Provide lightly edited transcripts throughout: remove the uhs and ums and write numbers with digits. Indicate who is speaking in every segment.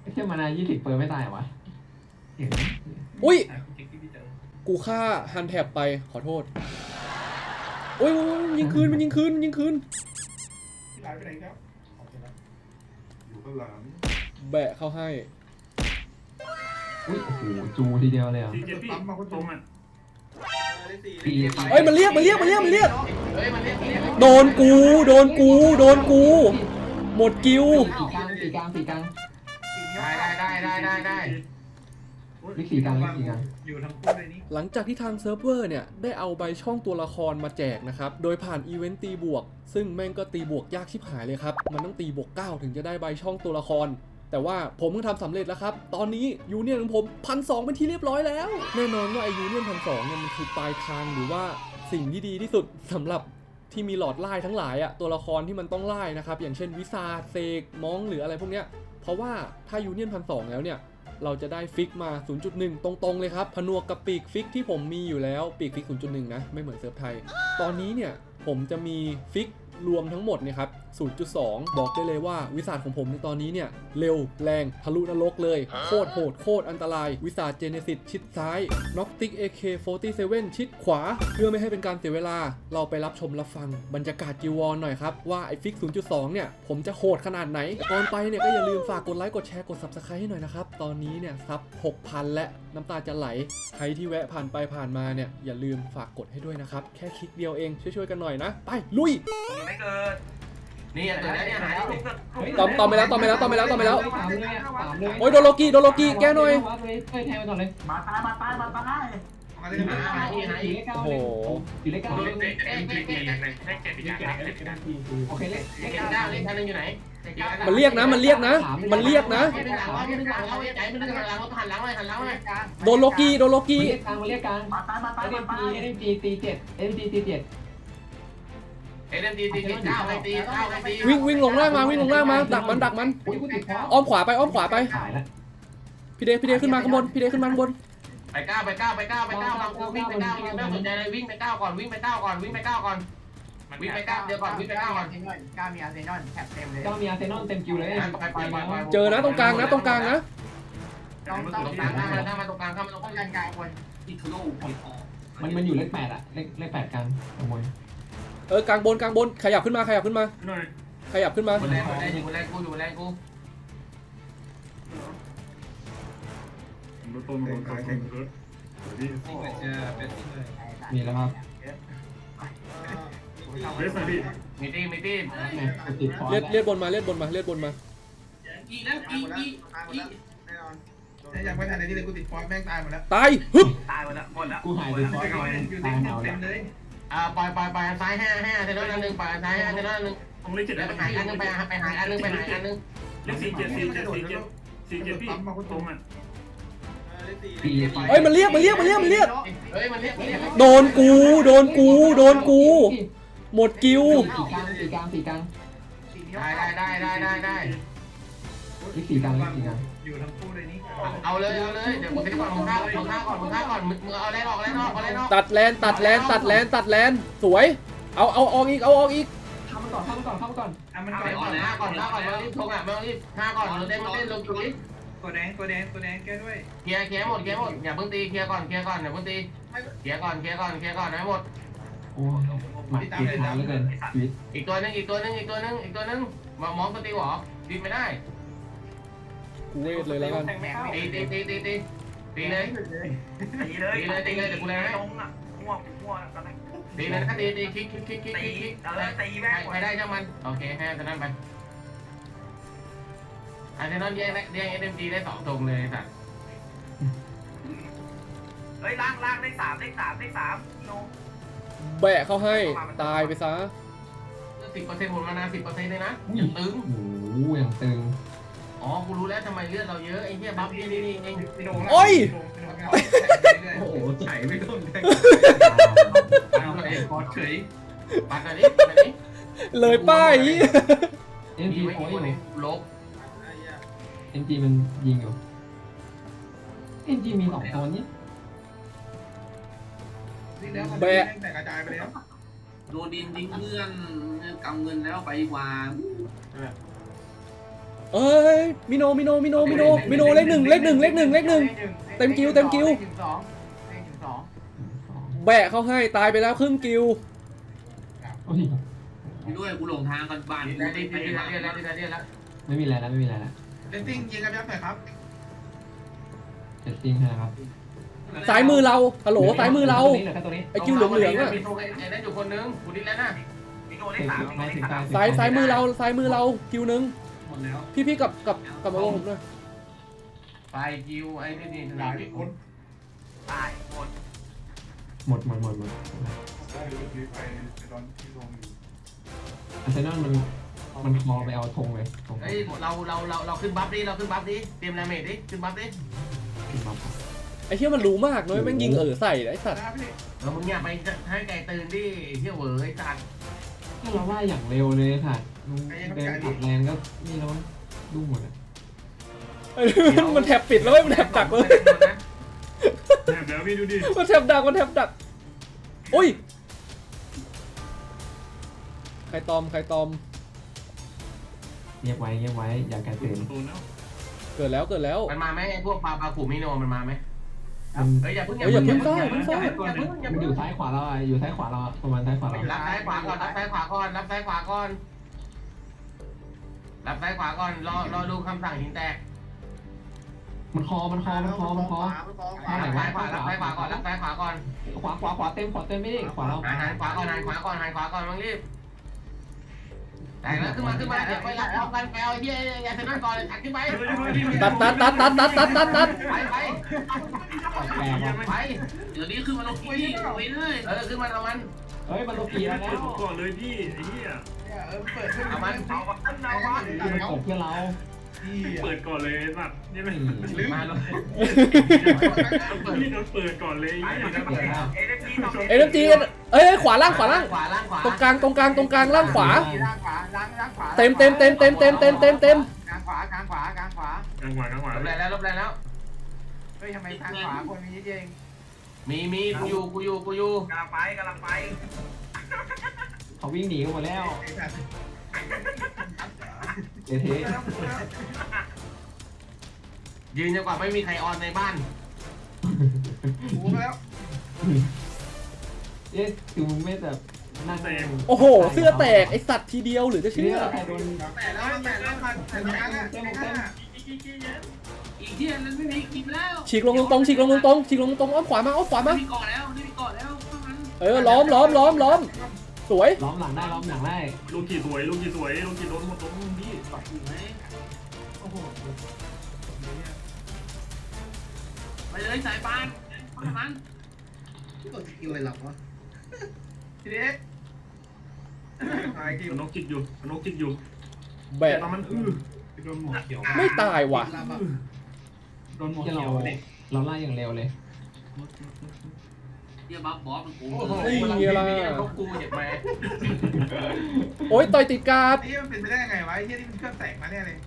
Speaker 1: แค่มานา20เปิดไม่ตายเหรอวะเห็นไหม
Speaker 2: อุ้ยกูฆ่าฮันแท็บไปขอโทษโอ้ยมันยิงคืนมันยิงคืนมันยิงคืน
Speaker 3: พี่หลายไปไหนครับอยู่ข้างหลัง
Speaker 2: แบะเข้าให้
Speaker 1: อุ้ยโอ้โหจูทีเดียวเลยอ่ะ
Speaker 3: ทีเจ็ดพี่มาคนตรงอ่ะ
Speaker 2: เอ้ยมันเรียก
Speaker 1: เฮ้ยมันเรียก
Speaker 2: โดนกูโดนกูโดนกูหมดกิว
Speaker 1: สี่กลาง
Speaker 3: อยู่ทั้งคู่เลยนี่
Speaker 2: หลังจากที่ทางเซิร์ฟเวอร์เนี่ยได้เอาใบช่องตัวละครมาแจกนะครับโดยผ่านอีเวนต์ตีบวกซึ่งแม่งก็ตีบวกยากชิบหายเลยครับมันต้องตีบวก9ถึงจะได้ใบช่องตัวละครแต่ว่าผมก็ทำสำเร็จแล้วครับตอนนี้ยูเนียนของผม1,200เป็นที่เรียบร้อยแล้วแน่นอนว่าไอยูเนียน1,200เนี่ยมันคือปลายทางหรือว่าสิ่งที่ดีที่สุดสำหรับที่มีหลอดไล่ทั้งหลายอะตัวละครที่มันต้องไล่นะครับอย่างเช่นวิซาเซกมองหรืออะไรพวกเนี้ยเพราะว่าถ้ายูเนียน1,200แล้วเนี่ยเราจะได้ฟิกมา 0.1 ตรงๆเลยครับผนวกกับปีกฟิกที่ผมมีอยู่แล้วปีกฟิก 0.1 นะไม่เหมือนเซิร์ฟไทยตอนนี้เนี่ยผมจะมีฟิกรวมทั้งหมดเนี่ยครับ 0.2 บอกได้เลยว่าวิสาดของผมในตอนนี้เนี่ยเร็วแรงทะลุนรกเลยโคตรโหดโคตรอันตรายวิสาดเจเนซิสชิดซ้ายน็อกติก AK47 ชิดขวาเพื่อไม่ให้เป็นการเสียเวลาเราไปรับชมรับฟังบรรยากาศกิวอนหน่อยครับว่าไอฟิก 0.2 เนี่ยผมจะโหดขนาดไหนก่อนไปเนี่ยก็อย่าลืมฝากกดไลค์กดแชร์กด Subscribe ให้หน่อยนะครับตอนนี้เนี่ยซับ 6,000 และน้ำตาจะไหลใครที่แวะผ่านไปผ่านมาเนี่ยอย่าลืมฝากกดให้ด้วยนะครับแค่คลิกเดียวเองช่วยๆกันหน่อยนะไปลุย
Speaker 4: ไม่เกิดนี่ตัวนี้เนี่ยหาย
Speaker 2: ตอมไปแล้ว
Speaker 1: 3เลย
Speaker 2: โอ้ยโดโลกีแก้หน่อย
Speaker 1: แทงไปก่อนเลย
Speaker 4: มาตาย
Speaker 3: มาเลยนะ
Speaker 4: หาย
Speaker 1: โอ้โหอยู่เลขเก้า
Speaker 4: เล่นเจ็บอีกอย่างเล่นกัน
Speaker 1: โอเคเลข
Speaker 4: เล่นเก้าเล่นกันอยู่ไหน
Speaker 2: มันเรียกนะ
Speaker 4: ไม่เป็นหลังไม่เป็นหลังเราใจไม่เป็นหลังเราหันหลังเลย
Speaker 2: โดโลกี
Speaker 1: เรียกกลาง
Speaker 4: มาตาย
Speaker 1: เอ็มจีตี7
Speaker 4: เอ็มดีตีเก้าไปตี
Speaker 2: วิ่งลงล่างมาดักมันอ้อมขวาไปพี่เดขึ้นมาข้างบน
Speaker 4: ไปก้าวเราวิ่งไปก้าวไม่สนใจเลยวิ่งไปก้าวก่อนวิ่งไปก้าวก่อนเดี๋ยวก่อนวิ่งไปก้าวก่อน
Speaker 5: ก้ามีอาร์เซนอลแถบเต็มเลย
Speaker 1: ก็มีอาร์เซนอลเต็มคิวเลย
Speaker 2: เจอนะตรงกลางนะ
Speaker 4: ตรงกลางเข้ามาตรงกลางเข้ามาตรงกลาง
Speaker 5: กลางคน
Speaker 4: อีทโล
Speaker 1: มันอยู่เลข8อ่ะเลข8กลางขโมย
Speaker 2: กลางบนขยับขึ้นมา
Speaker 3: หน่อย
Speaker 4: คนแรกกูอยู่แรงกู
Speaker 3: รถต้นรถขายแข่งรถที่
Speaker 1: มีแล้วครับ
Speaker 3: เรสนะพี่
Speaker 4: มีตี
Speaker 1: ติดคอ
Speaker 2: เลียดบนมา
Speaker 5: แน่นอนยังไม่ทันในที่เลยกูติดฟอสแม่งตายหมดแล้ว
Speaker 2: ตายฮึบ
Speaker 4: ตายหมดแล้ว
Speaker 1: กูหายติดคอ
Speaker 5: อยู่
Speaker 1: ตายเหงา
Speaker 5: เต็มเลย
Speaker 4: ปล่อยซ้าย5เซนนั่นนึงปล่อยซ้าย5เซนนั่นนึง
Speaker 3: ตรงเลขเจ็ด
Speaker 4: แล้วไปหายอันนึงไปหายอันนึง
Speaker 3: เลข47พี่มาคนตรงอ่ะ
Speaker 2: เอ้ยมันเรียก
Speaker 4: เฮ้ยมันเรียก
Speaker 2: โดนกูหมดกิว
Speaker 1: สี่กลาง
Speaker 4: ได้
Speaker 1: เลข4กลาง
Speaker 5: อยู่ทั้งคู่เลยนี่
Speaker 4: เอาเลยเดี๋ยวมึงไปก่อนมึงฆ่าก่อนมึงเอาแรงออก
Speaker 2: ตัดแลนสวยเอาออกอีก
Speaker 1: เข้ามาก่อน
Speaker 5: มันก่อน
Speaker 4: ฆ่าก่อนรีบทงอ่ะไม่ต้องรีบฆ่าก่อนเราเต้นลงจุดนี้
Speaker 5: ตัวแดงแก้ด้วย
Speaker 4: เคลียร์หมดอย่าเพิ่งตีเคลียร์ก่อนอย่าเพิ่งตีเคลียร์ก่อนให้หมด
Speaker 1: โอ้หมัดติดขาเหลือเกินชีวิต
Speaker 4: อีกตัวนึงมองตีหรอตีไม่ได้
Speaker 2: กูเวทเลยแล้วกัน
Speaker 4: ตีเลยตีเลยเดี๋ยวกูเลยให้ตีเลยนะตีคลิกไปได้ช่างมันโอเคให้จะนั่นไปอาร์เซนอลแย่งเอ็มจีได้2ตรงเลยสัตว์
Speaker 5: ล่างเลข3โน
Speaker 2: แบะเข้าให้ตายไปซะ
Speaker 4: 10%หมดมานา10%เลยนะอย่างตึง
Speaker 1: โอ้โหอย่างตึง
Speaker 4: อ๋อกูรู้แล้วทำไมเลือดเราเยอะไอ้เหี้ยบัฟนี่เอง
Speaker 2: โอ้ย
Speaker 5: โอ้โหไฉไม่โดนแทง
Speaker 4: คอเฉยปัดหน่อยดิ
Speaker 2: เลยป้าย
Speaker 1: เอ็มจี
Speaker 4: ไม่
Speaker 1: โอ้ย
Speaker 4: กี่ลบ
Speaker 1: เอ็มจีมันยิงอยู่เอ็มจีมี2ตัวนี้
Speaker 5: แต่กระจายไปแล้ว
Speaker 6: โดนดินทิ้งเงื่อนกำเงินแล้วไปวาง
Speaker 2: เอ้ยมิโนเลขหนึ่งเต็มกิวแบะเขาให้ตายไปแล้วครึ่งกิว
Speaker 1: โอ้ย
Speaker 6: ด้วยกูหลงทางกันบ้าน
Speaker 4: ได้แล้ว
Speaker 1: ไม่มีอะไรแล้วไม่มีอะไรแล้ว
Speaker 5: เลนติ้งยิงกันยับหน่อยครับ
Speaker 1: เจ็ดจริงนะครับ
Speaker 2: ซ้ายมือเราฮัลโหลซ้ายมือเรา
Speaker 1: เหลือแค่ตัวนี้
Speaker 2: ไอ้กิวเหลืองๆอะ
Speaker 4: มีโทรไอ้นั่นอยู่คนนึงกูดิ้นแล้วนะ
Speaker 5: มีโดนเลขสามมีโดนเลขสาม
Speaker 2: ซ้ายมือเรากิวหนึ่ง
Speaker 6: หมดแล้ว
Speaker 2: พี่กลับมาลงผมหน่อย
Speaker 4: ไปกิวไอ้นี่
Speaker 5: ตายคนตายหมด
Speaker 1: หมด
Speaker 3: ได้ดูคลิปไปตอนที่ลงอยู่
Speaker 1: อาร์เซนอลมันคอไปเอาธงเลยธง
Speaker 4: เฮ้ยเราขึ้นบัฟดิเตรียมแรมเมดดิขึ้นบัฟดิ
Speaker 1: ขึ้นมา
Speaker 2: ไอ้เหี้ยมันรู้มากเลยแม่งยิงใส่ไอ้สัตว์
Speaker 5: นะพี่
Speaker 4: มึงอย่าไปให้ไก่ตื่นดิเที่ยวเหวอไอ้สัตว์
Speaker 1: เราว่าอย่างเร็วเลยค่ะเดินขับแรงก็นี่แล้วดูหมดอ่ะ
Speaker 2: มันแถบปิดแล้วมันแถบดักเลย
Speaker 3: แอบแล้วพี่ดูดิ
Speaker 2: มันแถบดักโอ้ยใครตอม
Speaker 1: เงียบไว้อย่าแกตื่น
Speaker 3: ตัวแล้ว
Speaker 2: เกิดแล้ว
Speaker 4: มันมาไหมไอ้พวกปลาขู่มิโนมันมาไหม
Speaker 1: มัน
Speaker 4: เฮ้ยอย่าเพิ่ง
Speaker 2: อย่าเพิ่งซ่า
Speaker 1: มันอยู่ซ้ายขวาเราอ่ะอยู่ซ้ายขวาเราประมาณซ้ายขวาเรา
Speaker 4: รับซ้ายขวาก่อนรอดูคำสั่งหินแตก
Speaker 1: มันคอ
Speaker 4: รับซ้ายขวาก่อน
Speaker 1: ขวาเต็มไม่ได้ขวาเรา
Speaker 4: หันขวาก่อนมึงรีบแต่แล้วขึ้นมาเดี๋ยวไปรับพร้อมกันไปเอาไอ้เหี้ยยาเสพติดก่อนตัดขึ้นไป
Speaker 2: ตัด
Speaker 1: แปลกว่ะ
Speaker 4: ไป
Speaker 6: เดี๋ยวนี้ขึ้นมาลงที่ไปเลย
Speaker 4: ขึ้นมาเอามัน
Speaker 1: เฮ้ยมันโลกีแล้ว
Speaker 3: เปิดก่อนเลยพี่ไอ้เหี้ย
Speaker 5: เปิดขึ้น
Speaker 4: เอามัน
Speaker 5: เอามัน
Speaker 1: มันกดเพื่อเรา
Speaker 3: เปิดก่อนเลยสัตว์นี่มัน
Speaker 4: มาเลย
Speaker 3: พี่โดนเปิดก่อนเลย
Speaker 2: เอ็มจีเอ้ยขวาล่าง
Speaker 4: ขวา
Speaker 2: ตรงกลางล่างขวา
Speaker 5: ล่างขวาล่างขวา
Speaker 2: เต็ม
Speaker 5: กลางขวากลางขวากลางขวา
Speaker 3: กลางขวากลางขวา
Speaker 4: ลบแล้ว
Speaker 5: เฮ้ยทำไมทางขวาคนมีนิดเดียวเอง
Speaker 4: มีกูอยู่
Speaker 5: กำลังไป
Speaker 1: เขาวิ่งหนีกันหมดแล้วเท
Speaker 4: ยืนจนกว่าไม่มีใครออนในบ้าน
Speaker 5: กูแล้ว
Speaker 1: เอ๊ะคือมึงไม่แบบนั่ง
Speaker 2: โอ้โหเสื้อแตกไอสัตว์ทีเดียวหรือจะเชื่อ
Speaker 1: ใครโดน
Speaker 5: แต่แล้วมันแต่ละครั้งอะ
Speaker 6: อีกที่นั้นไม่มีกินแล้ว
Speaker 2: ฉีกลงตรงอ้อมขวามา
Speaker 6: มีก่อนแล้วนี่มีก่อนแล้วข้างนั้น
Speaker 2: ล้อมสวย
Speaker 1: ล้อมหลังได้
Speaker 3: ลูกกี่สวยลูกกี่โดนหมดตรงพี่
Speaker 6: ถูกไหม
Speaker 5: โอ้โห
Speaker 6: ไปเลยสายปานข้างนั้น
Speaker 5: กดสกิลเลยหรอวะทีเด็กตายกิวน
Speaker 3: กจิกอยู่
Speaker 2: แบะ
Speaker 3: ตอนมันโดนหมวกเขียว
Speaker 2: ไม่ตายว่ะ
Speaker 3: โดนหมวก
Speaker 1: ที่
Speaker 3: เขียวเด็ก
Speaker 1: เราไล่อย่างเร็วเลย
Speaker 6: เดี๋ยวบัฟบอสมันกู
Speaker 4: โอ้โหมีเขากูเจ็บไหม
Speaker 2: โอ้ยต่อยติดการ์ด
Speaker 5: นี่มันเป็นไปได้ยังไงวะไอ้ที่นี่มันเครื่องแตกมาแน่เลย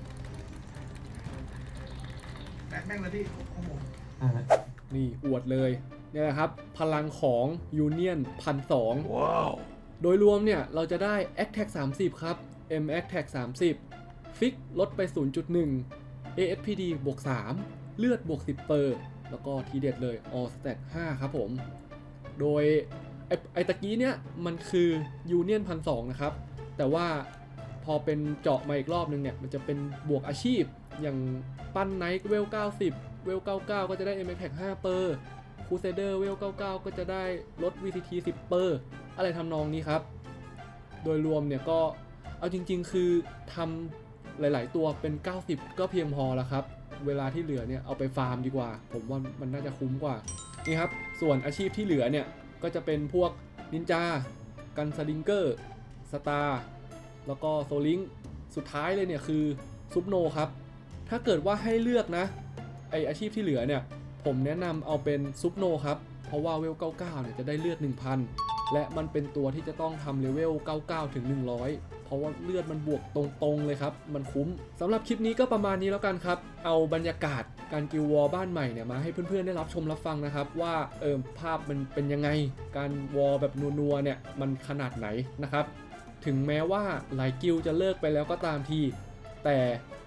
Speaker 5: แบกแม่งเลยพี่โอ้โห
Speaker 2: นี่อวดเลยเนี่ยแหละครับ พลังของยูเนียน1,200โดยรวมเนี่ย เราจะได้ Attack 30 ครับ M Attack 30 ฟิกลดไป 0.1 ASPD บวก 3 เลือดบวก 10 แล้วก็ทีเด็ดเลย All Stat 5 ครับผม โดยไอตะกี้เนี่ย มันคือยูเนียน1,200นะครับ แต่ว่าพอเป็นเจาะมาอีกรอบนึงเนี่ย มันจะเป็นบวกอาชีพอย่างปั้นไนท์เวล 90 เวล 99 ก็จะได้ M Attack 5 คูเซเดอร์เวล 99 ก็จะได้ลด VCT 10 อะไรทำนองนี้ครับ โดยรวมเนี่ยก็เอาจริงๆคือทำหลายๆตัวเป็น 90 ก็เพียงพอแล้วครับ เวลาที่เหลือเนี่ยเอาไปฟาร์มดีกว่า ผมว่ามันน่าจะคุ้มกว่า นี่ครับ ส่วนอาชีพที่เหลือเนี่ย ก็จะเป็นพวกนินจา กันสลิงเกอร์ สตาร์ แล้วก็โซลิงสุดท้ายเลยเนี่ยคือซุปโนครับ ถ้าเกิดว่าให้เลือกนะ ไออาชีพที่เหลือเนี่ย ผมแนะนำเอาเป็นซุปโนครับ เพราะว่าเวล 99 เนี่ยจะได้เลือด 1,000 และมันเป็นตัวที่จะต้องทำเลเวล 99 ถึง 100 เพราะว่าเลือดมันบวกตรงๆเลยครับ มันคุ้ม สำหรับคลิปนี้ก็ประมาณนี้แล้วกันครับ เอาบรรยากาศการกิลวอร์บ้านใหม่เนี่ยมาให้เพื่อนๆได้รับชมรับฟังนะครับว่าภาพมันเป็นยังไง การวอร์แบบนัวๆเนี่ยมันขนาดไหนนะครับ ถึงแม้ว่าหลายกิลจะเลิกไปแล้วก็ตามที แต่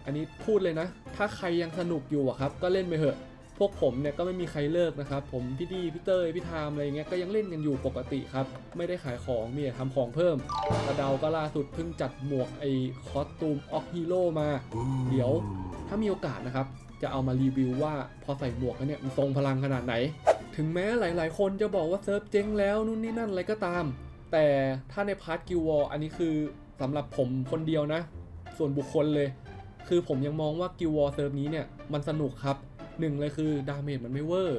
Speaker 2: อันนี้พูดเลยนะ ถ้าใครยังสนุกอยู่อะครับก็เล่นไปเถอะพวกผมเนี่ยก็ไม่มีใครเลิกนะครับผมพี่ดีพี่เตยพี่ไทม์อะไรเงี้ยก็ยังเล่นกันอยู่ปกติครับไม่ได้ขายของมีแต่ทำของเพิ่มกระเดาก็ล่าสุดเพิ่งจัดหมวกไอ้คอสตูมออกฮีโร่มาเดี๋ยวถ้ามีโอกาสนะครับจะเอามารีวิวว่าพอใส่หมวกแล้วเนี่ยมันทรงพลังขนาดไหนถึงแม้หลายๆคนจะบอกว่าเซิร์ฟเจ๊งแล้วนู่นนี่นั่นอะไรก็ตามแต่ถ้าในพาร์ทกิลวอร์อันนี้คือสำหรับผมคนเดียวนะส่วนบุคคลเลยคือผมยังมองว่ากิลวอร์เซิร์ฟนี้เนี่ยมันสนุกครับ1เลยคือดาเมจมันไม่เวอร์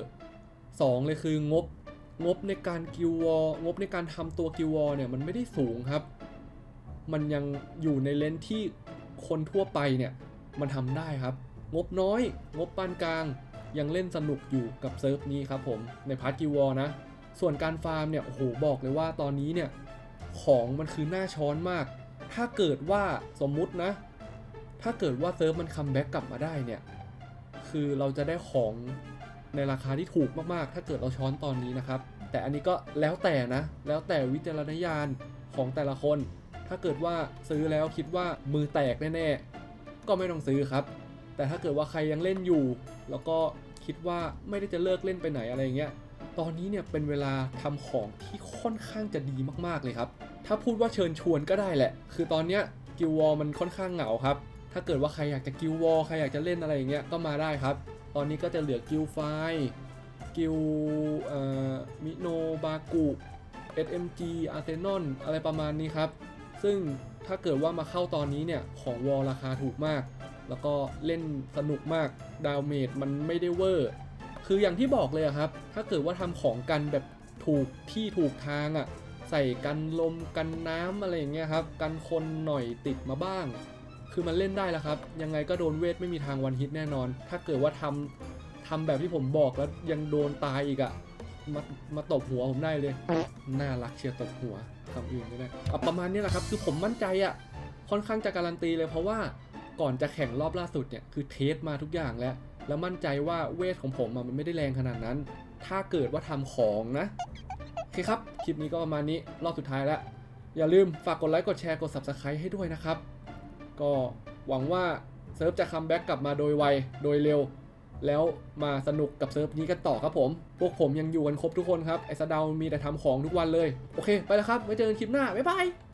Speaker 2: 2เลยคืองบในการกิลวอร์งบในการทำตัวกิลวอร์เนี่ยมันไม่ได้สูงครับมันยังอยู่ในเลนที่คนทั่วไปเนี่ยมันทำได้ครับงบน้อยงบปานกลางยังเล่นสนุกอยู่กับเซิร์ฟนี้ครับผมในพาร์ทกิลวอร์นะส่วนการฟาร์มเนี่ยโอ้โหบอกเลยว่าตอนนี้เนี่ยของมันคือหน้าช้อนมากถ้าเกิดว่าสมมุตินะถ้าเกิดว่าเซิร์ฟมันคัมแบ็กกลับมาได้เนี่ยคือเราจะได้ของในราคาที่ถูกมากๆถ้าเกิดเราช้อนตอนนี้นะครับแต่อันนี้ก็แล้วแต่นะแล้วแต่วิจารณญาณของแต่ละคนถ้าเกิดว่าซื้อแล้วคิดว่ามือแตกแน่ๆก็ไม่ต้องซื้อครับแต่ถ้าเกิดว่าใครยังเล่นอยู่แล้วก็คิดว่าไม่ได้จะเลิกเล่นไปไหนอะไรอย่างเงี้ยตอนนี้เนี่ยเป็นเวลาทำของที่ค่อนข้างจะดีมากๆเลยครับถ้าพูดว่าเชิญชวนก็ได้แหละคือตอนเนี้ยกิลวอร์มันค่อนข้างเหงาครับถ้าเกิดว่าใครอยากจะกิลวอร์ใครอยากจะเล่นอะไรอย่างเงี้ยก็มาได้ครับตอนนี้ก็จะเหลือกิลไฟกิลมิโนบากุ SMG อาร์เซนอลอะไรประมาณนี้ครับซึ่งถ้าเกิดว่ามาเข้าตอนนี้เนี่ยของวอลราคาถูกมากแล้วก็เล่นสนุกมากดาเมจมันไม่ได้เวอร์คืออย่างที่บอกเลยครับถ้าเกิดว่าทำของกันแบบถูกที่ถูกทางอ่ะใส่กันลมกันน้ำอะไรอย่างเงี้ยครับกันคนหน่อยติดมาบ้างคือมันเล่นได้แล้วครับยังไงก็โดนเวทไม่มีทางวันฮิตแน่นอนถ้าเกิดว่าทำแบบที่ผมบอกแล้วยังโดนตายอีกอ่ะมาตบหัวผมได้เลยน่ารักเชียร์ตบหัวคำอื่นก็ได้ประมาณนี้แหละครับคือผมมั่นใจอ่ะค่อนข้างจะการันตีเลยเพราะว่าก่อนจะแข่งรอบล่าสุดเนี่ยคือเทสมาทุกอย่างแล้วมั่นใจว่าเวทของผมมันไม่ได้แรงขนาดนั้นถ้าเกิดว่าทำของนะโอเคครับคลิปนี้ก็ประมาณนี้รอบสุดท้ายแล้วอย่าลืมฝากกดไลค์กดแชร์กด Subscribe ให้ด้วยนะครับก็หวังว่าเซิร์ฟจะคัมแบ็กกลับมาโดยไวโดยเร็วแล้วมาสนุกกับเซิร์ฟนี้กันต่อครับผมพวกผมยังอยู่กันครบทุกคนครับไอ้สะเดามีแต่ทำของทุกวันเลยโอเคไปแล้วครับไว้เจอกันคลิปหน้าบ๊ายบาย